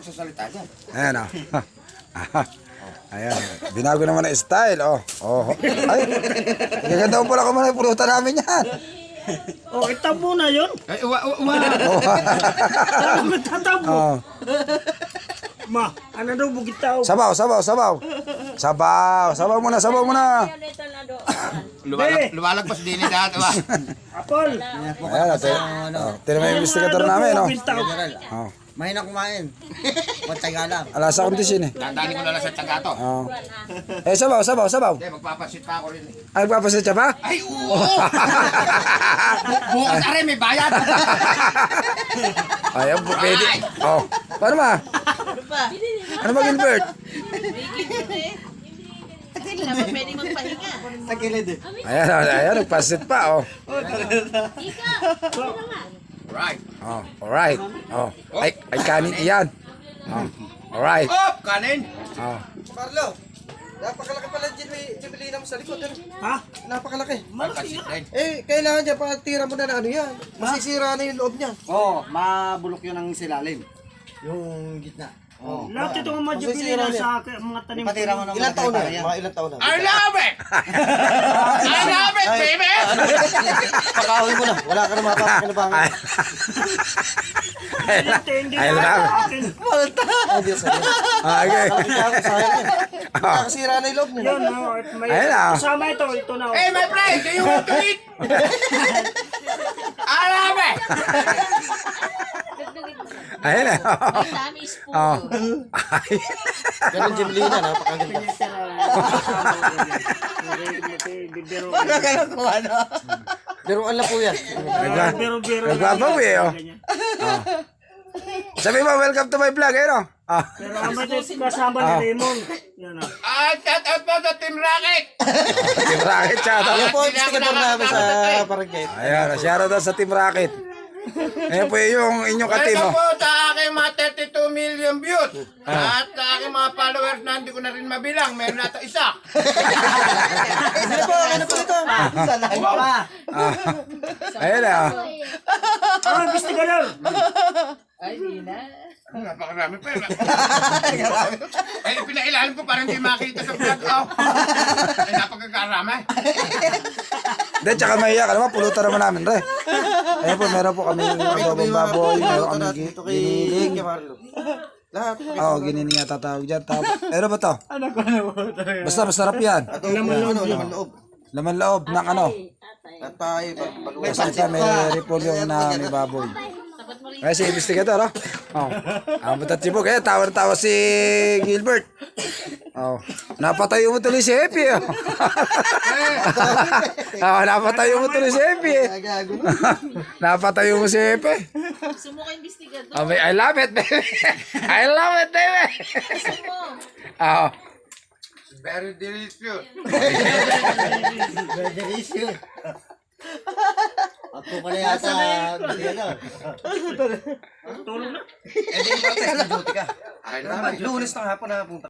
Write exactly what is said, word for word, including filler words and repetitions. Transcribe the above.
magsasalita dyan. Ayan o. Ayan. Binago naman ang style. Oh. Oh. Ay. Gaganda mo pala kumain. Pulutan namin yan. Oh, itabo na yun. Ay, uwa, uwa, uwa. Ano tatabo? Oh. Ma, ano daw bugit tao? Sabaw, sabaw, sabaw. Sabaw. Sabaw muna, sabaw muna. Luwalag, luwalagpas din ni dati. Apol. Ayan. Ate. Oh. Tira mo yung investigator namin. Oh. Oh. Mahina kumain. Pagtaga lang. Alas sa kondisyon eh. Dandani ko na lang sa tiyaga to. Oh. Eh, sabaw, sabaw, sabaw. Hindi, magpapasit pa ako rin eh. Ay, magpapasit siya ba? Ay, oo! Bukas na rin, may bayad. Ayan, pwede. Oh. Paano ma? Ano ba, Gilbert? Hindi naman pwede magpahinga. Tagilid eh. Ayan, ayan, nagpasit pa, oh. Right. Oh, alright. Oh, ay, ay kanin iyan. Oh, alright. Oh, kanin. Oh, Carlo, napakalaki pala yung jubilina mo sa likod. Ano? Ha? Napakalaki. Magpasit rin. Eh, kailangan dyan, pagtira mo na na ano yan. Masisira na yung loob niya. Oo, oh, mabulok yun ang silalim. Yung gitna. Oo. Lahat itong mga Masisira jubilina na sa akin, mga tanim. Ipatira mo ng Ilang taon na? yan. Mga ilang taon na? I love it! I love it, baby! Pakawin mo na. Wala ka na mapapakinabangan. ay, Hindi ay, na love. sa akin. Ay, Diyos. Sayang Ah, okay. yan. Nakakasira na yung loob niya. Yun, oh, may Ayun na. kasama ito, ito na. oh. Hey, my friend, do you want to eat? I love it! Ayun na. Ang dami spoon. Oh. Ay. Ganun jubilina, napakaganda. Biruan lang po yan. Nagba, Biro-biro. nagbabaw eh, oh. Oh. Sabi mo, welcome to my vlog, ayun, oh. Oh. Pero ang ba't kasama ni Raymond. Yan o. Ah, shout out po sa Team Rocket! Team Rocket, shout out. Yan po ang investigador namin sa barangay. Ayan, shout out sa Team Rocket. Ayan po yung inyong ka-team, Welcome oh. po sa aking mga thirty-two million views. At sa aking mga followers na hindi ko na rin mabilang. Meron na ito isa. Ano po? Ano po ito? Ah. Ayun na, oh. Ah, gusto ka lang. Ay, di na. Napakarami pa yun. Ay, pinailalim ko para hindi makita sa vlog. Oh. Ay, napagkakarami. Hindi, tsaka mahiya ka naman, pulutan naman namin, re. Ayun po, meron po kami adobong baboy, meron kami gi- Dito kay giniling. kay Marlo. Lahat. Oo, oh, giniling yata tawag dyan. Tapos, ano ba to? Basta masarap yan. Laman loob. Laman loob. Laman loob ng ano. At tayo, paluwa. Kasi ito, may repolyo na may baboy. Tapat mo rin. Kaya si investigator, oh. Oh. Ang batat sibog. Kaya tawa-tawa si Gilbert. Oh. Napatayo mo tuloy si Epi, oh. Oh, napatayo mo tuloy si Epi, eh. Gago. Napatayo mo si Epi. Gusto mo ka investigador. Oh, I love it, baby. I love it, baby. Gusto mo. Oh. Very delicious. Very delicious. Ako pala yata. Tulog na. Eh, di ba, duty ka? I love it. Lunes ng hapon na punta.